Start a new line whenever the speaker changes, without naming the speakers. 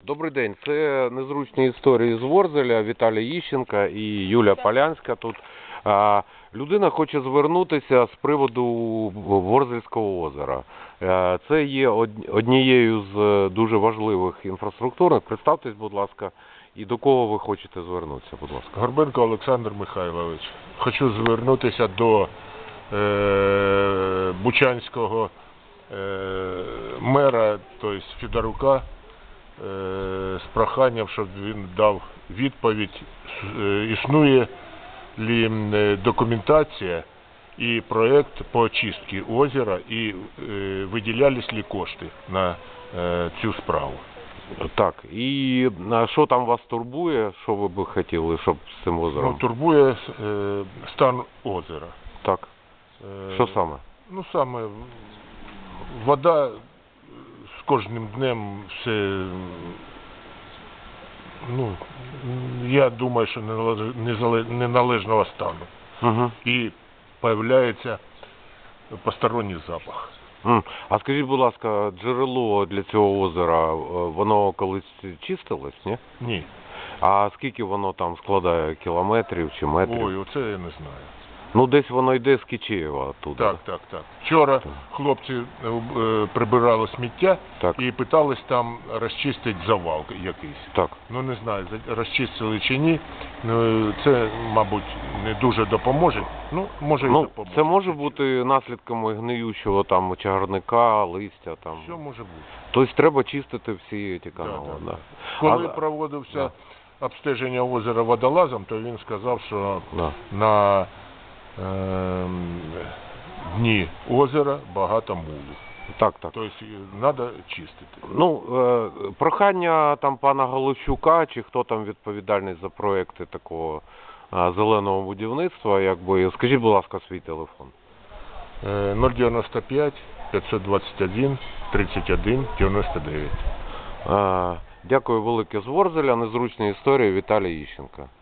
Добрий день, це незручні історії з Ворзеля, Віталій Іщенко і Юля Полянська тут. Людина хоче звернутися з приводу Ворзельського озера. Це є однією з дуже важливих інфраструктурних. Представтесь, будь ласка, і до кого ви хочете звернутися, будь ласка.
Горбенко Олександр Михайлович. Хочу звернутися до Бучанського мера, тобто Федорука, з проханням, щоб він дав відповідь, існує ли документація і проєкт по очистці озера, і виділялись ли кошти на цю справу.
Так, і що там вас турбує, що ви б хотіли, щоб з цим озером?
Турбує стан озера.
Так, що саме?
Ну, саме вода з кожним днем все, ну, я думаю, що неналежного стану.
Угу.
І появляється посторонній запах.
А скажіть, будь ласка, джерело для цього озера, воно колись чистилось, ні?
Ні.
А скільки воно там складає, кілометрів чи метрів?
Ой, оце я не знаю.
Ну, десь воно йде з Кичеєва туди.
Так. Вчора хлопці прибирали сміття і питались там розчистити завал якийсь.
Так.
Ну, не знаю, розчистили чи ні. Ну, це, мабуть, не дуже допоможе. Ну, може і допоможе.
Це може бути наслідками гниючого там чагарника, листя там.
Що може бути?
Тобто треба чистити всі ці канали.
Да. Коли проводився обстеження озера водолазом, то він сказав, що на дні озера багато мулу.
Так.
Тобто треба чистити.
Ну, прохання там пана Галущука, чи хто там відповідальний за проекти такого зеленого будівництва, якби, скажіть, будь ласка, свій телефон.
095 521 31 99.
Дякую велике з Ворзеля, незручні історії, Віталій Іщенко.